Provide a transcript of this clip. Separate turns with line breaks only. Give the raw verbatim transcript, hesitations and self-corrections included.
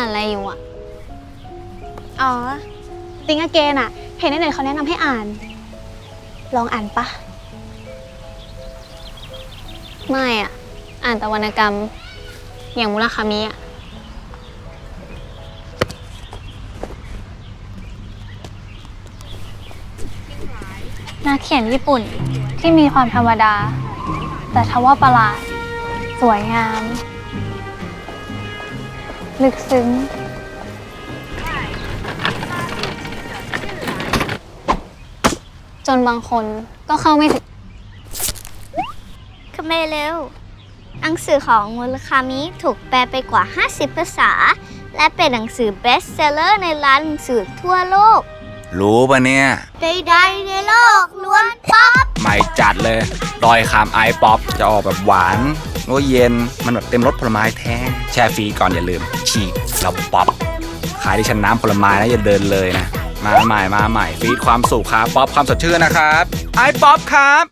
านอะไรอยู่อ่ะ
อ๋อติงอเกนอะเห็นในเน็ตเขาแนะนำให้อ่าน ลองอ่านปะ
ไม่อ่ะ อ่านแต่วรรณกรรม อย่างมุราคามิอ่ะ
นักเขียนญี่ปุ่นที่มีความธรรมดา แต่ทว่าประหลาด สวยงาม ลึกซึ้ง
จนบางคนก็เข้าไม่ถึง
คาเมเร็วหนังสือของมุราคามิถูกแปลไปกว่า ห้าสิบ ภาษา และเป็นหนังสือเบสเซลเลอร์ในร้านหนังสือทั่วโลก
รู้ปะเนี่ย
ใดๆในโลกล้วนป๊อป
ไม่จัดเลยดอยคำไอป๊อปจะออกแบบหวานโอ้เย็น มันแบบเต็มรสผลไม้แท้แช่ฟรีก่อนอย่าลืม ฉีกแล้วป๊อป ขายที่ชั้นน้ำผลไม้นะอย่าเดินเลยนะ มาใหม่มาใหม่ฟีดความสุขครับป๊อปความสดชื่นนะครับไอป๊อปครับ